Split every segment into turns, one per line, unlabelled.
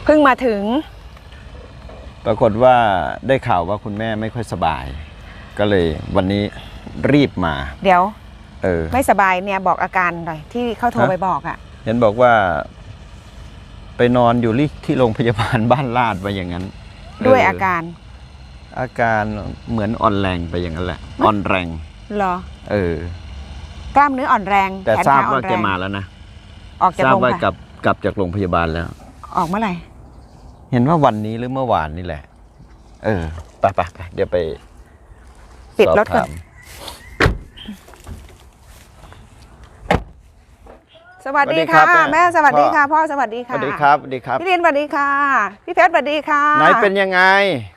เพิ่งมาถึง
ปรากฏว่าได้ข่าวว่าคุณแม่ไม่ค่อยสบายก็เลยวันนี้รีบมา
เดี๋ยว
ไม่
สบายเนี่ยบอกอาการหน่อยที่เขาโทรไปบอกอ่ะ
เห็นบอกว่าไปนอนอยู่ที่โรงพยาบาลบ้านลาดไปอย่างนั้น
ด้วยอาการ
เหมือนอ่อนแรงไปอย่างนั้นแหละอ่อนแรง
เหรอกล้ามเนื้ออ่อนแรง
แต่ทราบว่าแกมาแล้วนะ
ออกจากโรงพยาบาล
กลับจากโรงพยาบาลแล้ว
ออกเมื่อไหร่
เห็นว่าวันนี้หรือเมื่อวานนี่แหละไปเดี๋ยวไป
ปิดรถก่อนสวัสดีค่ะแม่สวัสดีค่ะพ่อสวัสดีค่ะ
สวัสดีครับสวัสดีครับ
พี่เรียนสวัสดีค่ะพี่เพชรสวัสดีค่ะ
ไหนเป็นยังไง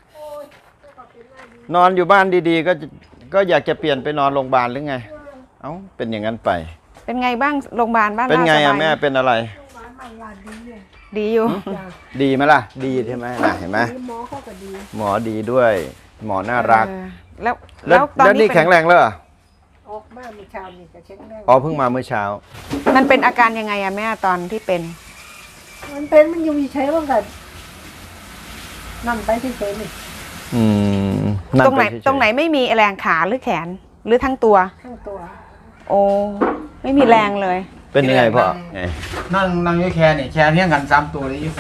นอนอยู่บ้านดีๆก็อยากจะเปลี่ยนไปนอนโรงพยาบาลหรือไงเอ้าเป็นอย่างนั้นไป
เป็นไงบ้างโรงพยาบาลบ้าน
เป็นไงอะแม่เป็นอะไร
ดีอยู่
ดีไหมล่ะดีใช่ไหมล่ะเห็นไหมหมอเขาก็ดีหมอดีด้วยหมอน่ารักแล้วตอนนี้แข็งแรงแล้วออกมาเมื่อเช้านี่จะแข็งแรงเพิ่งมาเมื่อเช้า
มันเป็นอาการยังไงอะแม่ตอนที่เป็น
มันยังมีใช้บ้างกันนั่งไปเฉย
ๆตรงไหนไม่มีแรงขาหรือแขนหรือทั้งตัวโอ้ไม่มีแรงเลย
เป็นยังไงพ่อ
นั่งอยู่แค่นี่แค่เที่ยงกัน3ตัวเลยอยู่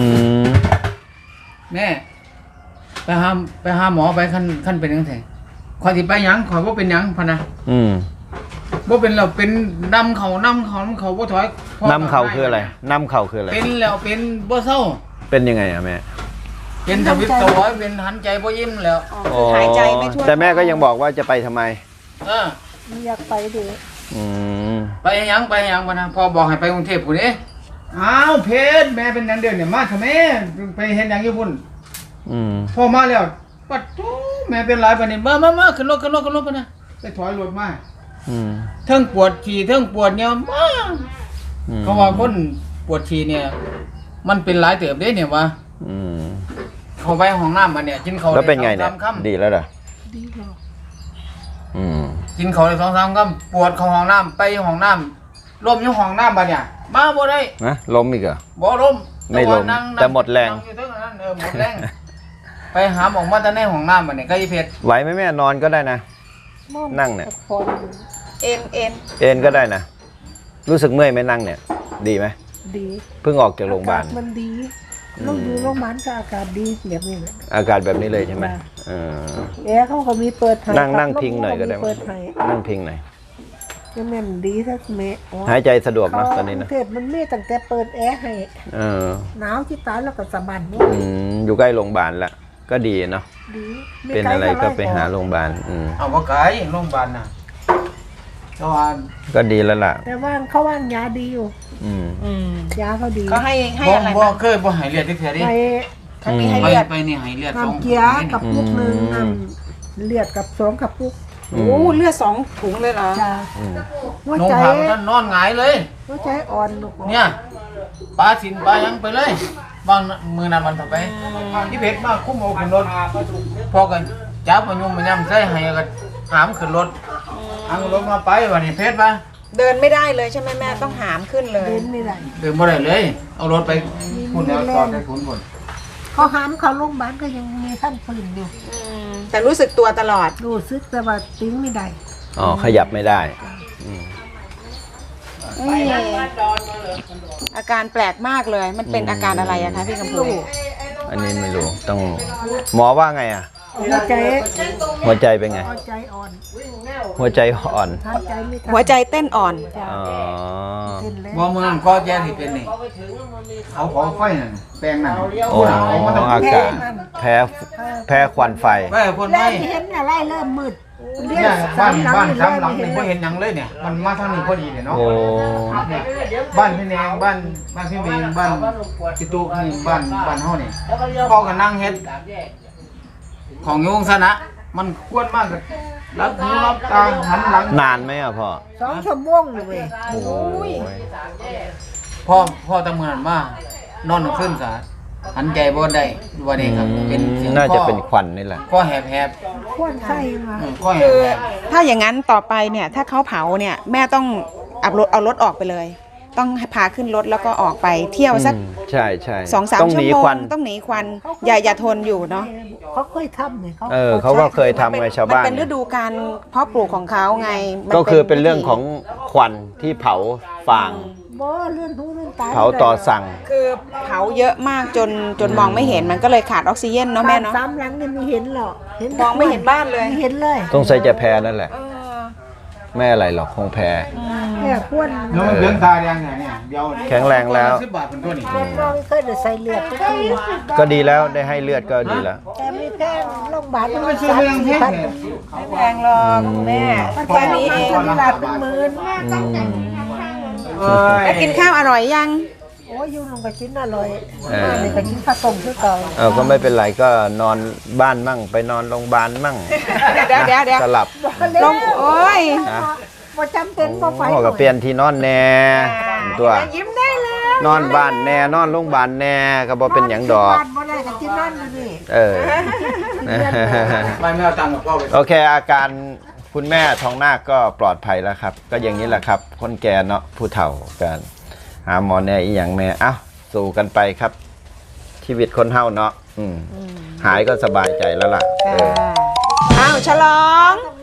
แม่ไปหาหมอไปขั้นเป็นยังไงขอที่ไปยังขอว่าเป็นยังพะนะว่าเป็นเราเป็นนำเขาว่าถอย
นำเขาคืออะไรนำเขาคืออะไร
เป็นแล้วเป็นบ่เศร้า
เป็นยังไงอะแม่
เป็นทวิตตัวเป็นหันใจบ่ยิ้มแล้ว
หายใจไม่ทั่ว
แต่แม่ก็ยังบอกว่าจะไปทำไม
อยากไปดิ
ไปยังพะนะพอบอกให้ไปกรุงเทพพุ่นเด้อ้าวเพชรแม่เป็นยังเดือนเนี่ยมาทำไมไปเห็นยังอยู่พุ่นพอมาแล้วปัดทูแม่เป็นไรปะเนี่ยมาขึ้นรถปะนะไปถอยรถมาเทิงปวดฉี่เทิงปวดเนี่ยมาเขาว่าคนปวดฉี่เนี่ยมันเป็นหลายเติบเด้เนี่ยวะเขาไปห้องน้ำมาเนี่ยกินเขา
แล้วเป็นไงเนี่ยดีแล้วเหรอ
ดีแล้ว
กินเขาได้2-3 คำปวดเขาห้องน้ำไปห้องน้ำล้มอยู่ห้องน้ำมาเนี่ยมาบ่ได้
นะล้มอีกเหรอ
บ่ล้ม
ไม่ล้มแต่หมดแรง
หมดแรงไปหาหมอมาแต่ในห้องน้ำมาเนี่ยก็ยิ่งเพชร
ไหวไหมแม่นอนก็ได้นะนั่งเนี่ย
เอ็น
ก็ได้นะรู้สึกเมื่อยไหมนั่งเนี่ยดีไหม
ดี
เพิ่งออกจากโรงพยาบาล
มันดีเราอยู่โรงพยาบาลก็อากาศดีแบบนี้เลย
อากาศแบบนี้เลยใช่ไหม
เขาก็มีเปิด
นั่งพิงหน่อยก็ได้นั่งพิงหน่อย
จะแม่นดีสักเมะ
หายใจสะดวกนะตอนนี้นะ
เทพมันไม่ตั้งแต่เปิดแอร์ให้หนาวที่ตายแล้วก็สบาย
อยู่ใกล้โรงพยาบาลละก็ดีเนาะเป็นอะไรก็ไปหาโรงพยาบาล
เอาว่าไกลโรงพยาบาลนะ
ก็ดีแล้วล่ะ
แต่ว่าเขาว่างยาดีอยู่ยาเขาดี
เขาให้อะไร
บ้างเคยบ่หายเลือดที่แผลดิ
มีให้เลือด
ไปนี่หายเลือด
2 เกียร์กับปุกนึงเลือดกับ2 กับปุก
โอ้เลือด2 ถุงเลยเหรอ
หัวใจ
ท่านนอนหงายเลย
หัวใจอ่อน
เนี่ยปลาสินปลายังไปเลยบางมือนั้นมันทำไปที่เพชรมากคุ้มเอาขึ้นรถพอกันจับมันยุ่มมันย่ำใส่ให้กันหามขึ้นรถมาไปวันนี้เพชรปะ
เดินไม่ได้เลยใช่ไหมแม่ต้องหามขึ้นเลย
เดินไม่ได้
เลยเอารถไปคุณแล้วตอนได้คุณคน
เขาหามเขาโรงพยาบาลก็ยังมีท่านฝืนอยู่
แต่รู้สึกตัวตลอด
รู้สึกแต่ว่าติ้งไม่ได้
ขยับไม่ได้
อาการแปลกมากเลยมันเป็นอาการอะไรอะคะพี่กำพู
อันนี้ไม่รู้ต้องหมอว่าไงอะ
หัว
ใจเป็นไง
หัวใจอ่อน
หัวใจอ่อน
หัวใจเต้นอ่อน
ว่าเมืองก็แย่ที่เป็นนี่เขาขอไฟนั่นแปลงนั่น
อากาศแพ้ควันไฟ
เห็นอะไรเริ่มมืด
บ้าน3 หลังนี่ไม่เห็นยังเลยเนี่ยมันมาทางนี้พอดีเลยเนาะบ้านพี่แนงบ้านพี่เมงบ้านพี่ตุ๊กนี่บ้านเฮานี่พ่อก็นั่งเฮ็ดของโยงซะนะมันควรมากเลยรับหูรับตาหันหลัง
นานไหมอ่ะพ่อ
2 ชั่วโมงเลย
พ่อตะเมือนมานอนขึ้นกะหันใจบ่ได้วันนี้ครับเป็น
น่าจะเป็นควันนี่แหละ
ก็แหบ
ควันไส้มา
คือถ้าอย่างนั้นต่อไปเนี่ยถ้าเขาเผาเนี่ยแม่ต้องเอารถออกไปเลยต้องให้พาขึ้นรถแล้วก็ออกไปเที่ยวสัก
ใช่ใช่
2-3
ต้อง
ชั่
ห
ว
นี
โม
ควั
ง
น
ต้องหนีควันอย่าทนอยู่เนาะ
เขาเคยทำเนี่ย
เขาก็เคยทำไงชาวบ้าน
มันเป็นฤดูการเพาะปลูกของเขาไงมัน
ก็คือเป็นเรื่องของควันที่เผาฟาง
บ่เลื่อนหูเลื่อนตา
เผาต่อสั่ง
คือเผาเยอะมากจนมองไม่เห็นมันก็เลยขาดออกซิเจนเนาะแม่เนาะ
สามหลังเนี่ยไม่เห็นหรอกเห็น
มองไม่เห็นบ้านเลย
ไม่เห็นเลย
ต้องใส่จะแพ้นั่นแหละ
เออ
ไม่อะไรหรอกคงแพ้
เนี่ยควร
แล้วมันเดือนตาแดงเนี่ยเดี๋ยว
แข็งแรงแล้ว
10 บาทเป็นตัวนี้
น้องเคยได้ใส่เลือดทุกที
ก็ดีแล้วได้ให้เลือดก็ดีแล้ว
แต่ไม่แพงโรงพยาบาล
มันชื่อเรื่องแท้
พัน
ไม่แพงหรอกแม่แค่นี้เอง
ตลาดเป็นหมื่น
แล้วกินข้าวอร่อยยัง
โอ้ยอยู่ลงไปกินอร่อยนี่ไปกินข้าวต้มคือเก่า
ก็ไม่เป็นไรก็นอนบ้านมั่งไปนอนโรงพยาบาลมั่ง
เดี๋ยว
สลับ
ลงโอ้ย
นะ
บ่จำเป็นบ่ไป
ก็เปลี่ยนที่นอนแน่ตัว
ยิ้มได้แล้ว
นอนบ้านแน่นอนโรงพยาบาลแน่ก็บ่เป็นหยังดอก
บ้านบ่ได้ก็กินนั่นอยู่นี่
ไม่เอาตังค์กับพ่อไป
โอเคอาการคุณแม่ทองนาคก็ปลอดภัยแล้วครับ ก็อย่างนี้แหละครับ คนแก่เนาะผู้เฒ่ากันหาหมอแน่อีหยังแน่เอ้าสู่กันไปครับ ชีวิตคนเฒ่าเนาะหายก็สบายใจแล้วล่ะ
อ้าวฉลอง
ต้อง